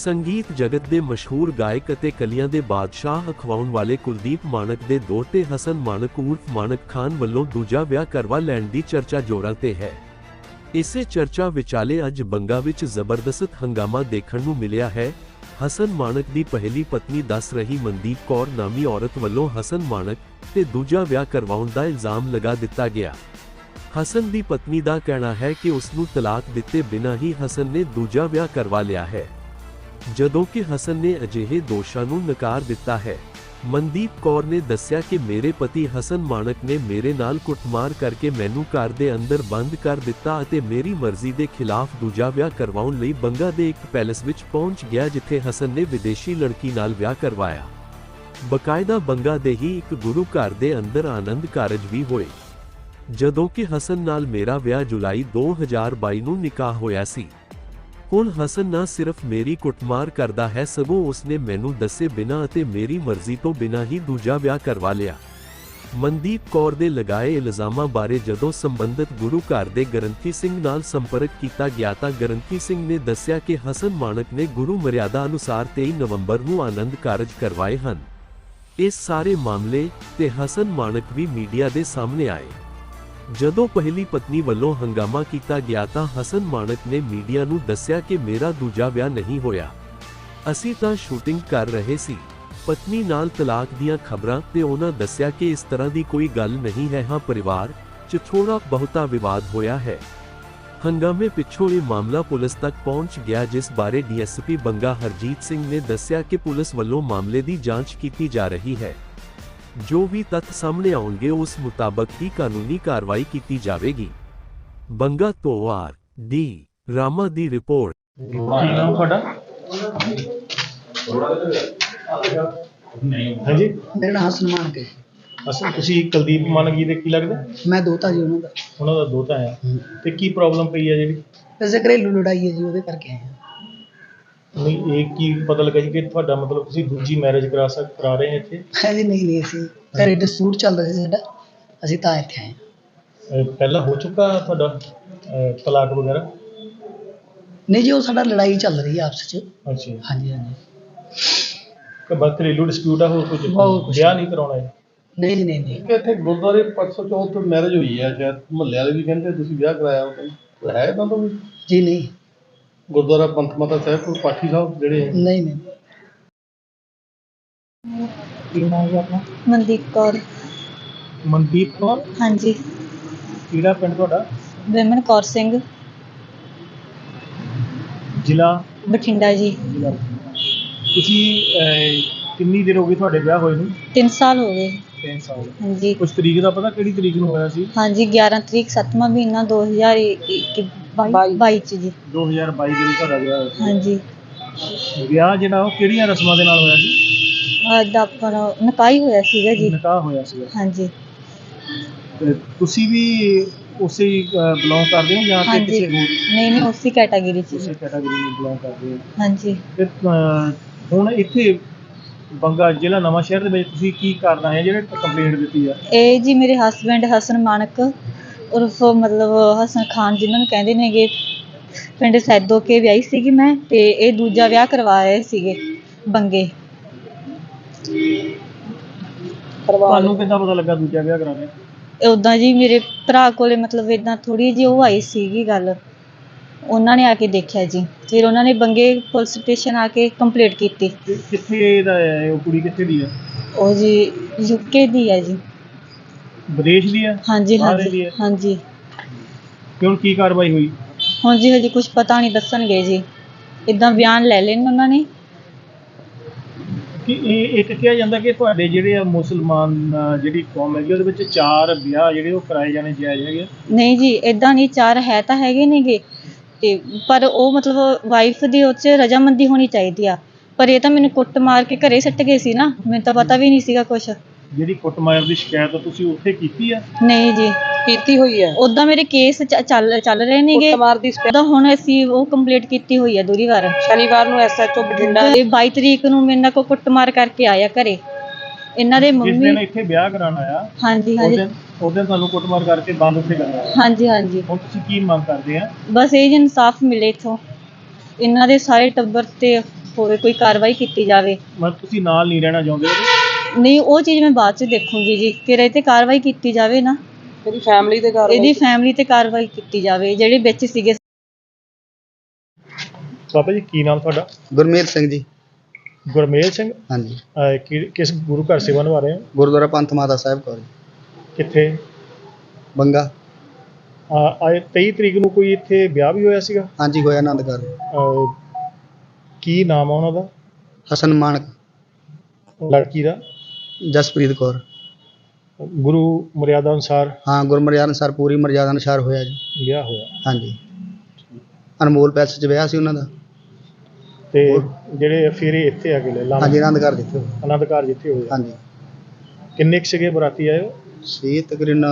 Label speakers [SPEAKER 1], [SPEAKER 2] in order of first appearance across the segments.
[SPEAKER 1] ਸੰਗੀਤ ਜਗਤ ਦੇ ਮਸ਼ਹੂਰ ਗਾਇਕ ਅਤੇ ਕਲੀਆਂ ਦੇ ਬਾਦਸ਼ਾਹ ਅਖਵਾਉਣ ਵਾਲੇ ਕੁਲਦੀਪ ਮਾਣਕ ਦੇ ਦੋਹਤੇ ਹਸਨ ਮਾਣਕ ਉਰਫ ਮਾਣਕ ਖਾਨ ਵੱਲੋਂ ਦੂਜਾ ਵਿਆਹ ਕਰਵਾ ਲੈਣ ਦੀ ਚਰਚਾ ਜ਼ੋਰਾਂ ਤੇ ਹੈ। ਇਸੇ ਚਰਚਾ ਵਿਚਾਲੇ ਅੱਜ ਬੰਗਾ ਵਿੱਚ ਜ਼ਬਰਦਸਤ ਹੰਗਾਮਾ ਦੇਖਣ ਨੂੰ ਮਿਲਿਆ ਹੈ। ਹਸਨ ਮਾਣਕ ਦੀ ਪਹਿਲੀ ਪਤਨੀ ਦੱਸ ਰਹੀ ਮਨਦੀਪ ਕੌਰ ਨਾਮੀ ਔਰਤ ਵੱਲੋਂ ਹਸਨ ਮਾਣਕ ਤੇ ਦੂਜਾ ਵਿਆਹ ਕਰਵਾਉਣ ਦਾ ਇਲਜ਼ਾਮ ਲਗਾ ਦਿੱਤਾ ਗਿਆ। ਹਸਨ ਦੀ ਪਤਨੀ ਦਾ ਕਹਿਣਾ ਹੈ ਕਿ ਉਸ ਨੂੰ ਤਲਾਕ ਦਿੱਤੇ ਬਿਨਾਂ ਹੀ ਹਸਨ ਨੇ ਦੂਜਾ ਵਿਆਹ ਕਰਵਾ ਲਿਆ ਹੈ, ਜਦੋਂ ਕਿ ਹਸਨ ਨੇ ਅਜਿਹੇ ਦੋਸ਼ਾਂ ਨੂੰ ਨਕਾਰ ਦਿੱਤਾ ਹੈ। ਮਨਦੀਪ ਕੌਰ ਨੇ ਦੱਸਿਆ ਕਿ ਮੇਰੇ ਪਤੀ ਹਸਨ ਮਾਣਕ ਨੇ ਮੇਰੇ ਨਾਲ ਕੁੱਟਮਾਰ ਕਰਕੇ ਮੈਨੂੰ ਘਰ ਦੇ ਅੰਦਰ ਬੰਦ ਕਰ ਦਿੱਤਾ ਅਤੇ ਮੇਰੀ ਮਰਜ਼ੀ ਦੇ ਖਿਲਾਫ ਦੂਜਾ ਵਿਆਹ ਕਰਵਾਉਣ ਲਈ ਬੰਗਾ ਦੇ ਇੱਕ ਪੈਲੇਸ ਵਿੱਚ ਪਹੁੰਚ ਗਿਆ, ਜਿੱਥੇ ਹਸਨ ਨੇ ਵਿਦੇਸ਼ੀ ਲੜਕੀ ਨਾਲ ਵਿਆਹ ਕਰਵਾਇਆ। ਬਕਾਇਦਾ ਬੰਗਾ ਦੇ ਹੀ ਇੱਕ ਗੁਰੂ ਘਰ ਦੇ ਅੰਦਰ ਆਨੰਦ ਕਾਰਜ ਵੀ ਹੋਏ, ਜਦੋਂ ਕਿ ਹਸਨ ਨਾਲ ਮੇਰਾ ਵਿਆਹ ਜੁਲਾਈ 2022 ਨੂੰ ਨਿਕਾਹ ਹੋਇਆ ਸੀ। ਹੁਣ ਹਸਨ ਨਾ ਸਿਰਫ ਮੇਰੀ ਕੁੱਟਮਾਰ ਕਰਦਾ ਹੈ, ਸਗੋਂ ਉਸਨੇ ਮੈਨੂੰ ਦੱਸੇ ਬਿਨਾਂ ਅਤੇ ਮੇਰੀ ਮਰਜ਼ੀ ਤੋਂ ਬਿਨਾਂ ਹੀ ਦੂਜਾ ਵਿਆਹ ਕਰਵਾ ਲਿਆ। ਮਨਦੀਪ ਕੌਰ ਦੇ ਲਗਾਏ ਇਲਜ਼ਾਮਾਂ ਬਾਰੇ ਜਦੋਂ ਸੰਬੰਧਿਤ ਗੁਰੂ ਘਰ ਦੇ ਗ੍ਰੰਥੀ ਸਿੰਘ ਨਾਲ ਸੰਪਰਕ ਕੀਤਾ ਗਿਆ ਤਾਂ ਗ੍ਰੰਥੀ ਸਿੰਘ ਨੇ ਦੱਸਿਆ ਕਿ ਹਸਨ ਮਾਣਕ ਨੇ ਗੁਰੂ ਮਰਿਆਦਾ ਅਨੁਸਾਰ 23 ਨਵੰਬਰ ਨੂੰ ਆਨੰਦ ਕਾਰਜ ਕਰਵਾਏ ਹਨ। ਇਸ ਸਾਰੇ ਮਾਮਲੇ ਤੇ ਹਸਨ ਮਾਣਕ ਵੀ ਮੀਡੀਆ ਦੇ ਸਾਹਮਣੇ ਆਏ। ਜਦੋਂ ਪਹਿਲੀ ਪਤਨੀ ਵੱਲੋਂ ਹੰਗਾਮਾ ਕੀਤਾ ਗਿਆ ਤਾਂ ਹਸਨ ਮਾਣਕ ਨੇ ਮੀਡੀਆ ਨੂੰ ਦੱਸਿਆ ਕਿ ਮੇਰਾ ਦੂਜਾ ਵਿਆਹ ਨਹੀਂ ਹੋਇਆ, ਅਸੀਂ ਤਾਂ ਸ਼ੂਟਿੰਗ ਕਰ ਰਹੇ ਸੀ। ਪਤਨੀ ਨਾਲ ਤਲਾਕ ਦੀਆਂ ਖਬਰਾਂ ਤੇ ਉਹਨਾਂ ਦੱਸਿਆ ਕਿ ਇਸ ਤਰ੍ਹਾਂ ਦੀ ਕੋਈ ਗੱਲ ਨਹੀਂ ਹੈ। ਹਾਂ, ਪਰਿਵਾਰ 'ਚ ਥੋੜਾ ਬਹੁਤਾ ਵਿਵਾਦ ਹੋਇਆ ਹੈ। ਹੰਗਾਮੇ ਪਿੱਛੋਂ ਇਹ ਮਾਮਲਾ ਪੁਲਿਸ ਤੱਕ ਪਹੁੰਚ ਗਿਆ, ਜਿਸ ਬਾਰੇ ਡੀਐਸਪੀ ਬੰਗਾ ਹਰਜੀਤ ਸਿੰਘ ਨੇ ਦੱਸਿਆ ਕਿ ਪੁਲਿਸ ਵੱਲੋਂ ਮਾਮਲੇ ਦੀ ਜਾਂਚ ਕੀਤੀ ਜਾ ਰਹੀ ਹੈ। ਜੋ ਵੀ ਤੱਥ ਸਾਹਮਣੇ ਆਉਣਗੇ ਉਸ ਮੁਤਾਬਕ ਹੀ ਕਾਨੂੰਨੀ ਕਾਰਵਾਈ ਕੀਤੀ ਜਾਵੇਗੀ। ਬੰਗਾ ਤੋਂ ਡੀ ਰਾਮਾ ਦੀ ਰਿਪੋਰਟ।
[SPEAKER 2] ਕੀ ਨਾਮ ਤੁਹਾਡਾ? ਹਾਂਜੀ,
[SPEAKER 3] ਮੇਰਾ ਨਾਮ ਹਸਨ ਮਾਣਕ ਹੈ।
[SPEAKER 2] ਅਸਲ ਤੁਸੀਂ ਕੁਲਦੀਪ ਮਾਣਕ ਜੀ ਦੇ ਕੀ ਲੱਗਦਾ?
[SPEAKER 3] ਮੈਂ ਦੋਤਾ ਜੀ ਉਹਨਾਂ
[SPEAKER 2] ਦਾ ਦੋਤਾ ਹੈ। ਤੇ ਕੀ ਪ੍ਰੋਬਲਮ ਪਈ ਹੈ ਜਿਹੜੀ?
[SPEAKER 3] ਵੈਸੇ ਘਰੇਲੂ ਲੜਾਈ ਹੈ ਜੀ, ਉਹਦੇ ਕਰਕੇ ਆਏ ਹਾਂ।
[SPEAKER 2] ਨਹੀਂ, ਇਹ ਕੀ ਪਤਾ ਲੱਗਾ ਜੀ ਕਿ ਤੁਹਾਡਾ ਮਤਲਬ ਤੁਸੀਂ ਦੂਜੀ ਮੈਰਿਜ ਕਰਾ ਰਹੇ ਹੋ ਇੱਥੇ?
[SPEAKER 3] ਜੀ ਨਹੀਂ, ਅਸੀਂ ਘਰੇ ਡਿਸਪਿਊਟ ਚੱਲ ਰਿਹਾ ਸੀ ਸਾਡਾ, ਅਸੀਂ ਤਾਂ ਇੱਥੇ ਆਏ ਹਾਂ।
[SPEAKER 2] ਪਹਿਲਾਂ ਹੋ ਚੁੱਕਾ ਤੁਹਾਡਾ ਤਲਾਕ ਵਗੈਰਾ?
[SPEAKER 3] ਨਹੀਂ ਜੀ, ਉਹ ਸਾਡਾ ਲੜਾਈ ਚੱਲ ਰਹੀ ਹੈ ਆਪਸ 'ਚ।
[SPEAKER 2] ਅੱਛਾ,
[SPEAKER 3] ਹਾਂਜੀ ਹਾਂਜੀ।
[SPEAKER 2] ਕਿ ਬਸ ਘਰੇਲੂ ਡਿਸਪਿਊਟ ਆ, ਹੋਰ ਕੁਝ ਵਿਆਹ ਨਹੀਂ ਕਰਾਉਣਾ ਹੈ?
[SPEAKER 3] ਨਹੀਂ ਜੀ ਨਹੀਂ।
[SPEAKER 4] ਇੱਥੇ ਗੁਰਦੁਆਰੇ 504 ਮੈਰਿਜ ਹੋਈ ਹੈ, ਸ਼ਾਇਦ ਮੁਹੱਲੇ ਵਾਲੇ ਵੀ ਕਹਿੰਦੇ ਤੁਸੀਂ ਵਿਆਹ ਕਰਾਇਆ, ਉਹ ਹੈ ਇਦਾਂ ਤੋਂ ਵੀ?
[SPEAKER 3] ਜੀ ਨਹੀਂ।
[SPEAKER 4] ਗੁਰਦੁਆਰਾ ਪੰਥ ਮਾਤਾ ਸਾਹਿਬ ਕੋਲ ਪਾਠੀ ਸਾਹਿਬ ਜਿਹੜੇ
[SPEAKER 3] ਨਹੀਂ ਨਹੀਂ।
[SPEAKER 2] ਕੀ ਨਾਮ ਹੈ ਆਪਣਾ?
[SPEAKER 5] ਮਨਦੀਪ ਕੌਰ।
[SPEAKER 2] ਮਨਦੀਪ ਕੌਰ?
[SPEAKER 5] ਹਾਂਜੀ।
[SPEAKER 4] ਕਿਹੜਾ ਪਿੰਡ ਤੁਹਾਡਾ?
[SPEAKER 5] ਵਿਮਨ ਕੌਰ ਸਿੰਘ,
[SPEAKER 2] ਜ਼ਿਲ੍ਹਾ
[SPEAKER 5] ਬਠਿੰਡਾ ਜੀ।
[SPEAKER 2] ਤੁਸੀਂ ਕਿੰਨੀ ਦੇਰ ਹੋ ਗਈ ਤੁਹਾਡੇ ਵਿਆਹ ਹੋਏ ਨੂੰ?
[SPEAKER 5] 3 ਸਾਲ ਹੋ ਗਏ।
[SPEAKER 2] 3 ਸਾਲ।
[SPEAKER 5] ਹਾਂਜੀ
[SPEAKER 2] ਕੁਝ ਤਰੀਕ ਦਾ ਪਤਾ ਕਿਹੜੀ ਤਰੀਕ ਨੂੰ ਹੋਇਆ ਸੀ?
[SPEAKER 5] ਹਾਂਜੀ, 11 ਤਰੀਕ 7ਵਾਂ ਮਹੀਨਾ 2022 ਚ ਜੀ।
[SPEAKER 2] 2022 ਦੇ ਵਿੱਚ ਤੁਹਾਡਾ ਵਿਆਹ ਹੋਇਆ ਸੀ।
[SPEAKER 5] ਹਾਂਜੀ।
[SPEAKER 2] ਵਿਆਹ ਜਿਹੜਾ ਉਹ ਕਿਹੜੀਆਂ ਰਸਮਾਂ ਦੇ ਨਾਲ ਹੋਇਆ ਸੀ?
[SPEAKER 5] ਅੱਜ ਆਪਾਂ ਨਿਕਾਹ ਹੀ ਹੋਇਆ ਸੀਗਾ ਜੀ।
[SPEAKER 2] ਨਿਕਾਹ ਹੋਇਆ ਸੀਗਾ।
[SPEAKER 5] ਹਾਂਜੀ
[SPEAKER 2] ਤੇ ਤੁਸੀਂ ਵੀ ਉਸੇ ਬਿਲੋਂਗ ਕਰਦੇ ਹੋ ਜਾਂ ਕਿ
[SPEAKER 5] ਹਾਂਜੀ।
[SPEAKER 2] ਕਿਸੇ ਹੋਰ
[SPEAKER 5] ਨਹੀਂ, ਉਸੇ ਕੈਟਾਗਰੀ ਚ
[SPEAKER 2] ਉਸੇ
[SPEAKER 5] ਜੀ।
[SPEAKER 2] ਕੈਟਾਗਰੀ ਨੂੰ ਬਿਲੋਂਗ ਕਰਦੇ ਹੋ?
[SPEAKER 5] ਹਾਂਜੀ।
[SPEAKER 2] ਤੇ ਹੁਣ ਇੱਥੇ ਬੰਗਾ ਜ਼ਿਲ੍ਹਾ ਨਵਾਂ ਸ਼ਹਿਰ ਦੇ ਵਿੱਚ ਤੁਸੀਂ ਕੀ ਕਰਨਾ ਹੈ ਜਿਹੜੇ ਕੰਪਲੇਂਟ ਦਿੱਤੀ ਆ?
[SPEAKER 5] ਇਹ ਜੀ ਮੇਰੇ ਹਸਬੈਂਡ ਹਸਨ ਮਾਣਕ ਉਰਫ ਮਤਲਬ ਹਸਨ ਖਾਨ, ਜਿਨ੍ਹਾਂ ਨੂੰ ਕਹਿੰਦੇ ਨੇਗੇ, ਪਿੰਡ ਸੈਦੋ ਕੇ ਵਿਆਹੀ ਸੀਗੀ ਮੈਂ, ਤੇ ਇਹ ਦੂਜਾ ਵਿਆਹ ਕਰਵਾ ਰਹੇ ਸੀਗੇ ਬੰਗੇ।
[SPEAKER 2] ਤੁਹਾਨੂੰ ਕਿੱਦਾਂ ਪਤਾ ਲੱਗਾ ਦੂਜਾ ਵਿਆਹ ਕਰਾ ਰਹੇ?
[SPEAKER 5] ਉੱਦਾਂ ਜੀ ਮੇਰੇ ਭਰਾ ਕੋਲੇ ਮਤਲਬ ਇੱਦਾਂ ਥੋੜ੍ਹੀ ਜਿਹੀ ਉਹ ਆਈ ਸੀਗੀ ਗੱਲ, ਉਹਨਾਂ ਨੇ ਆ ਕੇ ਦੇਖਿਆ ਜੀ। ਫਿਰ ਉਹਨਾਂ ਨੇ ਬੰਗੇ ਪੁਲਿਸ ਸਟੇਸ਼ਨ ਆ ਕੇ ਕੰਪਲੇਂਟ ਕੀਤੀ।
[SPEAKER 2] ਕਿੱਥੇ ਦਾ ਹੈ ਉਹ ਕੁੜੀ? ਕਿੱਥੇ ਦੀ ਆ
[SPEAKER 5] ਉਹ ਜੀ ਯੂਕੇ ਦੀ ਹੈ ਜੀ।
[SPEAKER 2] ਵਿਦੇਸ਼ ਦੀ ਆ?
[SPEAKER 5] ਹਾਂਜੀ
[SPEAKER 2] ਬਾਹਰ
[SPEAKER 5] ਹਾਂਜੀ
[SPEAKER 2] ਦੀ ਆ?
[SPEAKER 5] ਹਾਂਜੀ।
[SPEAKER 2] ਤੇ ਹੁਣ ਕੀ ਕਾਰਵਾਈ ਹੋਈ?
[SPEAKER 5] ਹੁਣ ਜੀ ਹਜੇ ਕੁਝ ਪਤਾ ਨਹੀਂ, ਦੱਸਣਗੇ ਜੀ। ਇੱਦਾਂ ਬਿਆਨ ਲੈ ਲੈਣ ਉਹਨਾਂ ਨੇ।
[SPEAKER 2] ਕਿ ਇਹ ਇੱਕ ਕਿਹਾ ਜਾਂਦਾ ਕਿ ਤੁਹਾਡੇ ਜਿਹੜੇ ਆ ਮੁਸਲਮਾਨ ਜਿਹੜੀ ਕੌਮ ਹੈਗੀ ਉਹਦੇ ਵਿੱਚ 4 ਵਿਆਹ ਜਿਹੜੇ ਉਹ ਕਰਾਏ ਜਾਣੇ ਜਾਇਜ਼ ਹੈਗੇ?
[SPEAKER 5] ਨਹੀਂ ਜੀ, ਇੱਦਾਂ ਨਹੀਂ। 4 ਹੈ ਤਾਂ ਹੈਗੇ ਨੇਗੇ, ਤੇ ਪਰ ਉਹ ਮਤਲਬ ਵਾਈਫ ਦੀ ਉਹ 'ਚ ਰਜਾਮੰਦੀ ਹੋਣੀ ਚਾਹੀਦੀ ਆ। ਪਰ ਇਹ ਤਾਂ ਮੈਨੂੰ ਕੁੱਟ ਮਾਰ ਕੇ ਘਰੇ ਸੱਟ ਗਏ ਸੀ ਨਾ, ਮੈਨੂੰ ਤਾਂ ਪਤਾ ਵੀ ਨਹੀਂ ਸੀਗਾ ਕੁਛ।
[SPEAKER 2] ਜਿਹੜੀ ਕੁੱਟਮਾਰ ਦੀ ਸ਼ਿਕਾਇਤ ਤੁਸੀਂ ਉੱਥੇ ਕੀਤੀ ਆ?
[SPEAKER 5] ਨਹੀਂ ਜੀ,
[SPEAKER 3] ਕੀਤੀ ਹੋਈ ਹੈ।
[SPEAKER 5] ਉਦਾਂ ਮੇਰੇ ਕੇਸ ਚੱਲ ਰਹੇ ਨੇਗੇ। ਉਦਾਂ ਹੁਣ ਅਸੀਂ ਉਹ ਕੰਪਲੀਟ ਕੀਤੀ ਹੋਈ ਹੈ ਦੂਰੀ ਵਾਰ।
[SPEAKER 3] ਸ਼ਨੀਵਾਰ ਨੂੰ ਐਸਐਚਓ ਬਠਿੰਡਾ
[SPEAKER 5] ਇਹ 22 ਤਰੀਕ ਨੂੰ ਮੇਰੇ ਨਾਲ ਕੁੱਟਮਾਰ ਕਰਕੇ ਆਇਆ ਘਰੇ। ਇਹਨਾਂ ਦੇ
[SPEAKER 2] ਜਿਸ
[SPEAKER 5] ਮੰਮੀ।
[SPEAKER 2] ਦਿਨ ਇੱਥੇ ਵਿਆਹ ਕਰਾਉਣ ਆਇਆ
[SPEAKER 5] ਹਾਂਜੀ
[SPEAKER 2] ਉਸ
[SPEAKER 5] ਹਾਂਜੀ
[SPEAKER 2] ਦਿਨ ਤੁਹਾਨੂੰ ਕੁੱਟਮਾਰ ਕਰਕੇ ਬੰਦ ਉੱਥੇ ਕਰਨਾ?
[SPEAKER 5] ਹਾਂਜੀ ਹਾਂਜੀ।
[SPEAKER 2] ਹੁਣ ਤੁਸੀਂ ਕੀ ਮੰਗ ਕਰਦੇ ਆ?
[SPEAKER 5] ਬਸ ਇਹ ਜੀ ਇਨਸਾਫ ਮਿਲੇ ਇੱਥੋਂ। ਇਹਨਾਂ ਦੇ ਸਾਰੇ ਟੱਬਰ ਤੇ ਹੋਵੇ, ਕੋਈ ਕਾਰਵਾਈ ਕੀਤੀ ਜਾਵੇ।
[SPEAKER 2] ਮਤਲਬ ਤੁਸੀਂ ਨਾਲ ਨਹੀਂ ਰਹਿਣਾ ਚਾਹੁੰਦੇ ਉਹਦੇ?
[SPEAKER 5] ਨਹੀਂ, ਉਹ ਚੀਜ਼ ਮੈਂ ਬਾਅਦ 'ਚ ਦੇਖੂੰਗੀ ਜੀ, ਫਿਰ ਇਹ 'ਤੇ ਕਾਰਵਾਈ ਕੀਤੀ ਜਾਵੇ ਨਾ,
[SPEAKER 6] ਇਹਦੀ ਫੈਮਿਲੀ ਤੇ
[SPEAKER 5] ਕਾਰਵਾਈ ਕੀਤੀ ਜਾਵੇ ਜਿਹੜੇ ਵਿੱਚ ਸੀਗੇ।
[SPEAKER 2] ਬਾਬਾ ਜੀ ਕੀ ਨਾਮ ਤੁਹਾਡਾ?
[SPEAKER 7] ਗੁਰਮੇਲ ਸਿੰਘ ਜੀ।
[SPEAKER 2] ਗੁਰਮੇਲ ਸਿੰਘ।
[SPEAKER 7] ਹਾਂਜੀ।
[SPEAKER 2] ਕਿਸ ਗੁਰੂ ਘਰ ਸੇਵਾ ਨਿਭਾ ਰਹੇ ਹੋ?
[SPEAKER 7] ਗੁਰਦੁਆਰਾ ਪੰਥ ਮਾਤਾ ਸਾਹਿਬ ਕੌਰ ਜੀ,
[SPEAKER 2] ਕਿੱਥੇ?
[SPEAKER 7] ਬੰਗਾ।
[SPEAKER 2] ਆਏ 23 ਤਰੀਕ ਨੂੰ ਕੋਈ ਇੱਥੇ ਵਿਆਹ ਵੀ ਹੋਇਆ ਸੀਗਾ?
[SPEAKER 7] ਹਾਂਜੀ, ਹੋਇਆ ਆਨੰਦ ਘਰ।
[SPEAKER 2] ਕੀ ਨਾਮ ਆ ਉਹਨਾਂ ਦਾ?
[SPEAKER 7] ਹਸਨ ਮਾਨਕ।
[SPEAKER 2] ਲੜਕੀ ਦਾ?
[SPEAKER 7] ਜਸਪ੍ਰੀਤ ਕੌਰ।
[SPEAKER 2] ਗੁਰੂ ਮਰਿਆਦਾ ਅਨੁਸਾਰ?
[SPEAKER 7] ਹਾਂ, ਗੁਰਮਰਿਆਦਾ ਅਨੁਸਾਰ, ਪੂਰੀ ਮਰਿਆਦਾ ਅਨੁਸਾਰ ਹੋਇਆ ਜੀ
[SPEAKER 2] ਵਿਆਹ ਹੋਇਆ।
[SPEAKER 7] ਹਾਂਜੀ, ਅਨਮੋਲ ਪੈਲਸ 'ਚ ਵਿਆਹ ਸੀ ਉਹਨਾਂ ਦਾ।
[SPEAKER 2] ਤੇ ਜਿਹੜੇ ਫੇਰੇ ਇੱਥੇ ਆ ਗਏ
[SPEAKER 7] ਹਾਂਜੀ, ਆਨੰਦ ਘਰ ਜਿੱਥੇ ਹੋਇਆ।
[SPEAKER 2] ਆਨੰਦ ਘਰ ਜਿੱਥੇ ਹੋਇਆ।
[SPEAKER 7] ਹਾਂਜੀ।
[SPEAKER 2] ਕਿੰਨੇ ਕੁ ਸੀਗੇ ਬਰਾਤੀ ਆਏ ਹੋ?
[SPEAKER 7] ਸੀ ਤਕਰੀਬਨ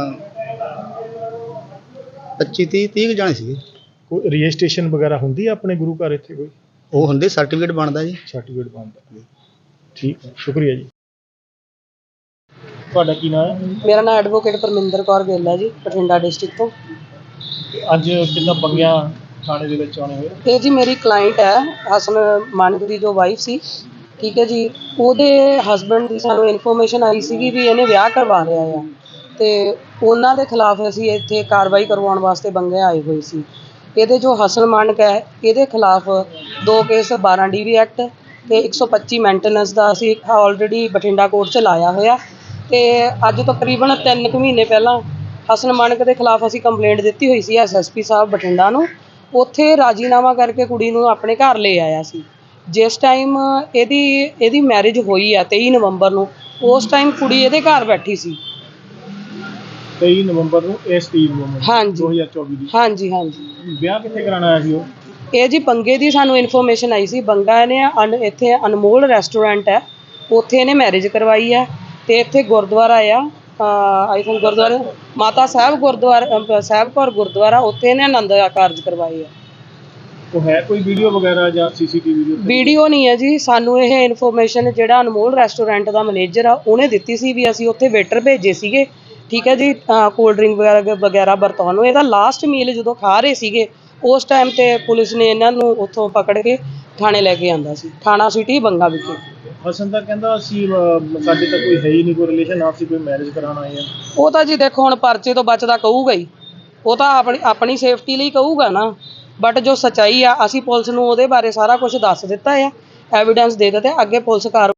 [SPEAKER 7] 25-30 ਕੁ ਜਾਣੇ ਸੀਗੇ।
[SPEAKER 2] ਕੋਈ ਰਜਿਸਟ੍ਰੇਸ਼ਨ ਵਗੈਰਾ ਹੁੰਦੀ ਆ ਆਪਣੇ ਗੁਰੂ ਘਰ ਇੱਥੇ ਕੋਈ?
[SPEAKER 7] ਉਹ ਹੁੰਦੇ, ਸਰਟੀਫਿਕੇਟ ਬਣਦਾ ਜੀ।
[SPEAKER 2] ਸਰਟੀਫਿਕੇਟ ਬਣਦਾ। ਠੀਕ ਹੈ, ਸ਼ੁਕਰੀਆ ਜੀ। ਤੁਹਾਡਾ ਕੀ ਨਾਮ ਹੈ?
[SPEAKER 6] ਮੇਰਾ ਨਾਮ ਐਡਵੋਕੇਟ ਪਰਮਿੰਦਰ ਕੌਰ ਗਿੱਲ ਹੈ ਜੀ, ਬਠਿੰਡਾ ਡਿਸਟ੍ਰਿਕਟ ਤੋਂ।
[SPEAKER 2] ਅੱਜ ਕਿੱਦਾਂ ਬੰਗਿਆ ਥਾਣੇ ਦੇ ਵਿੱਚ ਆਉਣੇ ਹੋਏ?
[SPEAKER 6] ਇਹ ਜੀ ਮੇਰੀ ਕਲਾਇੰਟ ਹੈ, ਹਸਨ ਮਾਨਕ ਦੀ ਜੋ ਵਾਈਫ ਸੀ, ਠੀਕ ਹੈ ਜੀ। ਉਹਦੇ ਹਸਬੈਂਡ ਦੀ ਸਾਨੂੰ ਇਨਫੋਰਮੇਸ਼ਨ ਆਈ ਸੀਗੀ ਵੀ ਇਹਨੇ ਵਿਆਹ ਕਰਵਾ ਲਿਆ ਆ, ਅਤੇ ਉਹਨਾਂ ਦੇ ਖਿਲਾਫ ਅਸੀਂ ਇੱਥੇ ਕਾਰਵਾਈ ਕਰਵਾਉਣ ਵਾਸਤੇ ਬੰਗੇ ਆਏ ਹੋਏ ਸੀ। ਇਹਦੇ ਜੋ ਹਸਨ ਮਾਨਕ ਹੈ, ਇਹਦੇ ਖਿਲਾਫ 2 ਕੇਸ 12 DV ਐਕਟ ਅਤੇ 125 ਮੇਨਟੇਨੈਂਸ ਦਾ ਅਸੀਂ ਆਲਰੇਡੀ ਬਠਿੰਡਾ ਕੋਰਟ 'ਚ ਲਾਇਆ ਹੋਇਆ। ਅਤੇ ਅੱਜ ਤਕਰੀਬਨ 3 ਕੁ ਮਹੀਨੇ ਪਹਿਲਾਂ ਹਸਨ ਮਾਨਕ ਦੇ ਖਿਲਾਫ ਅਸੀਂ ਕੰਪਲੇਂਟ ਦਿੱਤੀ ਹੋਈ ਸੀ SSP ਸਾਹਿਬ ਬਠਿੰਡਾ ਨੂੰ। ਉੱਥੇ ਰਾਜੀਨਾਮਾ ਕਰਕੇ ਕੁੜੀ ਨੂੰ ਆਪਣੇ ਘਰ ਲੈ ਆਇਆ ਸੀ। ਜਿਸ ਟਾਈਮ ਇਹਦੀ ਮੈਰਿਜ ਹੋਈ ਆ 23 ਨਵੰਬਰ ਨੂੰ, ਉਸ ਟਾਈਮ ਕੁੜੀ ਇਹਦੇ ਘਰ ਬੈਠੀ ਸੀ।
[SPEAKER 2] 23 ਨਵੰਬਰ ਨੂੰ, ਇਸ 23 ਨਵੰਬਰ
[SPEAKER 6] ਹਾਂਜੀ
[SPEAKER 2] 2024 ਦੀ? ਹਾਂਜੀ। ਵਿਆਹ ਕਿੱਥੇ ਕਰਾਉਣਾ ਆਇਆ ਸੀ ਉਹ?
[SPEAKER 6] ਇਹ ਜੀ ਬੰਗੇ ਦੀ ਸਾਨੂੰ ਇਨਫੋਰਮੇਸ਼ਨ ਆਈ ਸੀ। ਬੰਗਾ ਇਹਨੇ ਇੱਥੇ ਅਨਮੋਲ ਰੈਸਟੋਰੈਂਟ ਹੈ, ਉੱਥੇ ਇਹਨੇ ਮੈਰਿਜ ਕਰਵਾਈ ਹੈ। ਅਤੇ ਇੱਥੇ ਗੁਰਦੁਆਰਾ ਆ ਆਈ ਥਿੰਕ ਗੁਰਦੁਆਰਾ ਮਾਤਾ ਸਾਹਿਬ ਗੁਰਦੁਆਰਾ ਸਾਹਿਬ ਕੌਰ ਗੁਰਦੁਆਰਾ, ਉੱਥੇ ਇਹਨੇ ਆਨੰਦ ਕਾਰਜ ਕਰਵਾਏ ਆ।
[SPEAKER 2] ਉਹ ਹੈ ਕੋਈ ਵੀਡੀਓ ਵਗੈਰਾ ਜਾਂ CCTV?
[SPEAKER 6] ਵੀਡੀਓ ਨਹੀਂ ਹੈ ਜੀ, ਸਾਨੂੰ ਇਹ ਇਨਫੋਰਮੇਸ਼ਨ ਜਿਹੜਾ ਅਨਮੋਲ ਰੈਸਟੋਰੈਂਟ ਦਾ ਮੈਨੇਜਰ ਆ ਉਹਨੇ ਦਿੱਤੀ ਸੀ ਵੀ ਅਸੀਂ ਉੱਥੇ ਵੇਟਰ ਭੇਜੇ ਸੀਗੇ, ਠੀਕ ਹੈ ਜੀ, ਕੋਲਡ ਡਰਿੰਕ ਵਗੈਰਾ ਵਰਤਾਉਣ ਨੂੰ। ਇਹਦਾ ਲਾਸਟ ਮੀਲ ਜਦੋਂ ਖਾ ਰਹੇ ਸੀਗੇ, ਉਸ ਟਾਈਮ 'ਤੇ ਪੁਲਿਸ ਨੇ ਇਹਨਾਂ ਨੂੰ ਉੱਥੋਂ ਪਕੜ ਕੇ ਥਾਣੇ ਲੈ ਕੇ ਆਂਦਾ ਸੀ, ਥਾਣਾ ਸਿਟੀ ਬੰਗਾ ਵਿਖੇ।
[SPEAKER 2] ਹਸਨ ਤਾਂ ਕਹਿੰਦਾ ਅਸੀਂ ਸਾਡੇ ਤਾਂ ਕੋਈ ਹੈ ਹੀ ਨਹੀਂ ਕੋਈ ਰਿਲੇਸ਼ਨ, ਆਪਸੀ ਕੋਈ ਮੈਰਿਜ ਕਰਾਉਣ ਆਏ ਆ।
[SPEAKER 6] ਉਹ ਤਾਂ ਜੀ ਦੇਖੋ ਹੁਣ ਪਰਚੇ ਤੋਂ ਬਚਦਾ ਕਹੂਗਾ ਹੀ, ਉਹ ਤਾਂ ਆਪਣੀ ਸੇਫਟੀ ਲਈ ਕਹੂਗਾ ਨਾ, ਬਟ ਜੋ ਸੱਚਾਈ ਆ ਅਸੀਂ ਪੁਲਿਸ ਨੂੰ ਉਹਦੇ ਬਾਰੇ ਸਾਰਾ ਕੁਝ ਦੱਸ ਦਿੱਤਾ ਆ, ਐਵੀਡੈਂਸ ਦੇ ਦਿੱਤੇ, ਅੱਗੇ ਪੁਲਿਸ ਕਾਰਵਾਈ।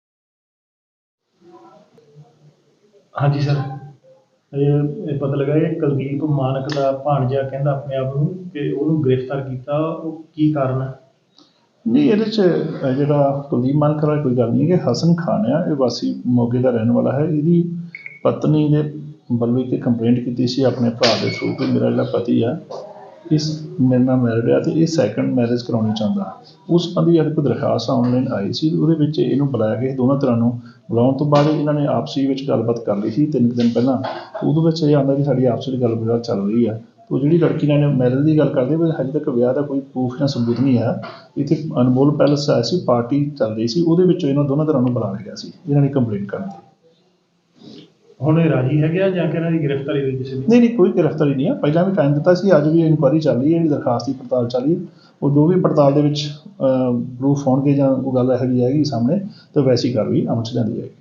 [SPEAKER 2] ਹਾਂਜੀ ਸਰ, ਇਹ ਪਤਾ ਲੱਗਾ ਕਿ ਕੁਲਦੀਪ ਮਾਨਕ ਦਾ ਭਾਣਜਾ ਕਹਿੰਦਾ ਆਪਣੇ ਆਪ ਨੂੰ ਕਿ ਉਹਨੂੰ ਗ੍ਰਿਫਤਾਰ ਕੀਤਾ, ਉਹ ਕੀ ਕਾਰਨ ਹੈ?
[SPEAKER 8] ਨਹੀਂ, ਇਹਦੇ 'ਚ ਜਿਹੜਾ ਕੁਲਦੀਪ ਮਾਨਕ ਵਾਲਾ ਕੋਈ ਗੱਲ ਨਹੀਂ ਕਿ ਹਸਨ ਖਾਨ ਆ, ਇਹ ਵਾਸੀ ਮੋਗੇ ਦਾ ਰਹਿਣ ਵਾਲਾ ਹੈ। ਇਹਦੀ ਪਤਨੀ ਨੇ ਵੱਲੋਂ ਇੱਕ ਕੰਪਲੇਂਟ ਕੀਤੀ ਸੀ ਆਪਣੇ ਭਰਾ ਦੇ ਥਰੂ ਕਿ ਮੇਰਾ ਜਿਹੜਾ ਪਤੀ ਆ ਇਸ ਮੇਰੇ ਨਾਲ ਮੈਰਿਡ ਆ ਅਤੇ ਇਹ ਸੈਕੰਡ ਮੈਰਿਜ ਕਰਾਉਣੀ ਚਾਹੁੰਦਾ। ਉਸ ਸੰਬੰਧੀ ਜਦ ਕੋਈ ਦਰਖਾਸਤ ਆਨਲਾਈਨ ਆਈ ਸੀ, ਉਹਦੇ ਵਿੱਚ ਇਹਨੂੰ ਬੁਲਾਇਆ ਗਿਆ, ਦੋਨਾਂ ਤਰ੍ਹਾਂ ਨੂੰ ਬੁਲਾਉਣ ਤੋਂ ਬਾਅਦ ਇਹਨਾਂ ਨੇ ਆਪਸੀ ਵਿੱਚ ਗੱਲਬਾਤ ਕਰ ਲਈ ਸੀ 3 ਦਿਨ ਪਹਿਲਾਂ। ਉਹਦੇ ਵਿੱਚ ਇਹ ਆਉਂਦਾ ਕਿ ਸਾਡੀ ਆਪਸ ਵਿੱਚ ਗੱਲਬਾਤ ਚੱਲ ਰਹੀ ਆ। ਉਹ ਜਿਹੜੀ ਲੜਕੀ ਨਾਲ ਮੈਰਿਜ ਦੀ ਗੱਲ ਕਰਦੇ ਪਰ ਹਜੇ ਤੱਕ ਵਿਆਹ ਦਾ ਕੋਈ ਪ੍ਰੂਫ ਜਾਂ ਸਬੂਤ ਨਹੀਂ ਹੈ। ਇੱਥੇ ਅਨਮੋਲ ਪੈਲਸ ਆਇਆ ਸੀ, ਪਾਰਟੀ ਚੱਲ ਰਹੀ ਸੀ, ਉਹਦੇ ਵਿੱਚੋਂ ਇਹਨਾਂ ਦੋਨਾਂ ਤਰ੍ਹਾਂ ਨੂੰ ਬੁਲਾ ਲਿਆ ਗਿਆ ਸੀ ਇਹਨਾਂ ਨੇ ਕੰਪਲੇਂਟ ਕਰਨ ਦੀ।
[SPEAKER 2] ਹੁਣ ਇਹ ਰਾਜੀ ਹੈਗੇ ਆ ਜਾਂ ਕਿ ਇਹਨਾਂ ਦੀ ਗ੍ਰਿਫਤਾਰੀ ਹੋਈ ਕਿਸੇ ਦੀ?
[SPEAKER 8] ਨਹੀਂ, ਕੋਈ ਗ੍ਰਿਫਤਾਰੀ ਨਹੀਂ ਆ। ਪਹਿਲਾਂ ਵੀ ਟਾਈਮ ਦਿੱਤਾ ਸੀ, ਅੱਜ ਵੀ ਇਨਕੁਆਇਰੀ ਚੱਲ ਰਹੀ ਹੈ, ਜਿਹੜੀ ਦਰਖਾਸਤ ਦੀ ਪੜਤਾਲ ਚੱਲ ਰਹੀ ਹੈ। ਉਹ ਜੋ ਵੀ ਪੜਤਾਲ ਦੇ ਵਿੱਚ ਪ੍ਰੂਫ ਹੋਣਗੇ ਜਾਂ ਕੋਈ ਗੱਲ ਇਹੋ ਜਿਹੀ ਆਏਗੀ ਸਾਹਮਣੇ ਤਾਂ ਵੈਸੀ ਕਾਰਵਾਈ ਅਮਲ 'ਚ ਲਿਆਂਦੀ ਜਾਏਗੀ।